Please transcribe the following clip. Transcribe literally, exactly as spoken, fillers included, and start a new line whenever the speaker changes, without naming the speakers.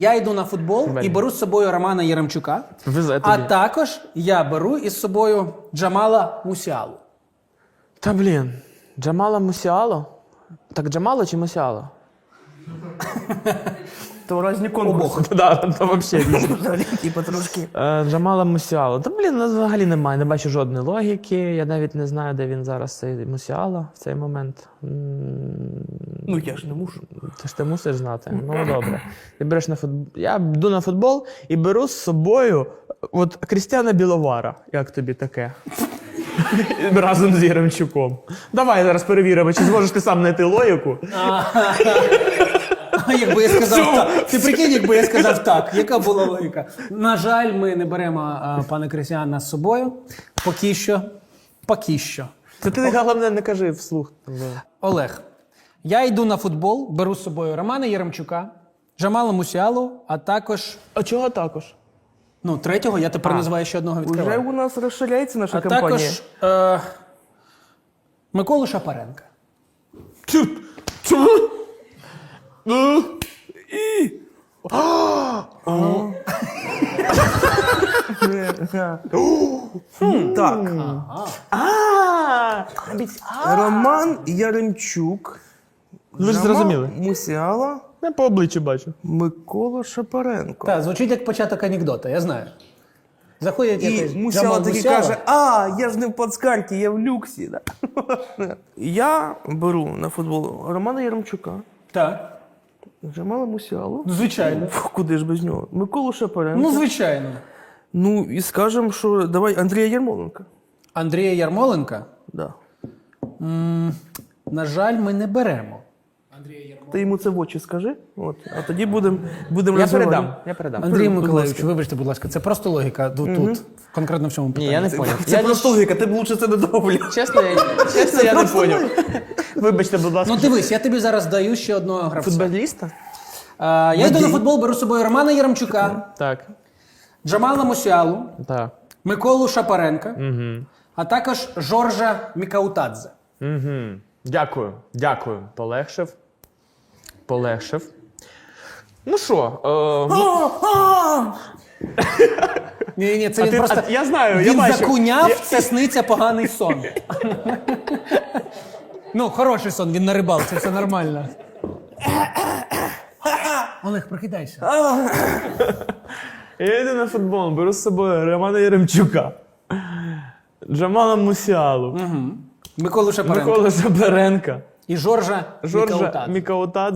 Я йду на футбол і беру з собою Романа Яремчука,
Везе
а
тобі.
також я беру із собою Джамала Мусіалу.
Та блін, Джамала Мусіало? Так Джамало чи Мусіало?
То різні конкурси.
Да, то взагалі різні.
Типа трошки.
Е, Джамала Мусіало. Та блін, ну, взагалі немає, не бачу жодної логіки. Я навіть не знаю, де він зараз, цей Мусіало, в цей момент. М,
Ну я ж не мушу.
Ти ж ти мусиш знати. Ну добре. Ти береш на футбол. Я йду на футбол і беру з собою от Крістіана Біловара. Як тобі таке? Разом з Яремчуком. Давай зараз перевіримо, чи зможеш ти сам знайти логіку.
Якби я сказав так. Ти прикинь, якби я сказав так. Яка була логіка? На жаль, ми не беремо а, пана Крістіана з собою. Поки що. Поки що.
Це ти головне не кажи вслух.
Олег, я йду на футбол, беру з собою Романа Яремчука, Джамала Мусіалу, а також...
А чого також?
Ну, третього я тепер називаю ще одного
Уже
відкриваю.
у нас розширяється наша
А
компанія.
також е, Миколу Шапаренка.
Так.
А,
Роман Яремчук.
ви ж
Джамал
зрозуміли.
Мусіала,
Я по обличчю бачу.
Микола Шапаренко.
Так, звучить як початок анекдота, я знаю. Заходять
І
якийсь
Мусіала
Джамал
таки
Мусіала.
каже, а, я ж не в плацкарті, я в люксі. Да? Я беру на футбол Романа Яремчука,
Так,
Джамала Мусіалу.
ну, звичайно.
Фу, куди ж без нього? Миколу Шапаренко.
Ну, звичайно.
Ну, і скажемо, що давай Андрія Ярмоленка.
Андрія Ярмоленка,
Да.
на жаль, ми не беремо.
Ти йому це в очі скажи, от, а тоді будемо будем
Я
розвивати.
передам. Я передам.
Андрій
будь
Миколаївич,
ласка.
вибачте, будь ласка, це просто логіка тут, тут конкретно в цьому
Ні,
питанні.
я не поняв.
Це
Я
просто логіка, ти б лучше це не доволі.
Чесно, я, чесно, я не поняв. Вибачте, будь ласка.
Ну дивись, я тобі зараз даю ще одного гравця.
Футболіста?
А, я йду на футбол, беру з собою Романа Яремчука,
Так.
Джамала Мусіалу,
Так.
Миколу Шапаренка,
Угу.
а також Жоржа Мікаутадзе.
Угу. Дякую. Дякую. Полегшив. Полегшив. Ну що, е,
Ні, ні, це
А
він
ти-
просто.
а я знаю, я
він
бачу.
закуняв,
Я-
це сниться поганий сон. Ну, хороший сон, він на рибалці, це нормально. Олег, прокидайся.
я йду на футбол, беру з собою Романа Яремчука, Джамала Мусіалу,
Миколу Шапаренка
Микола Шапаренка,
і Жоржа
Жоржа
Мікаутадзе.
Мікаутадзе.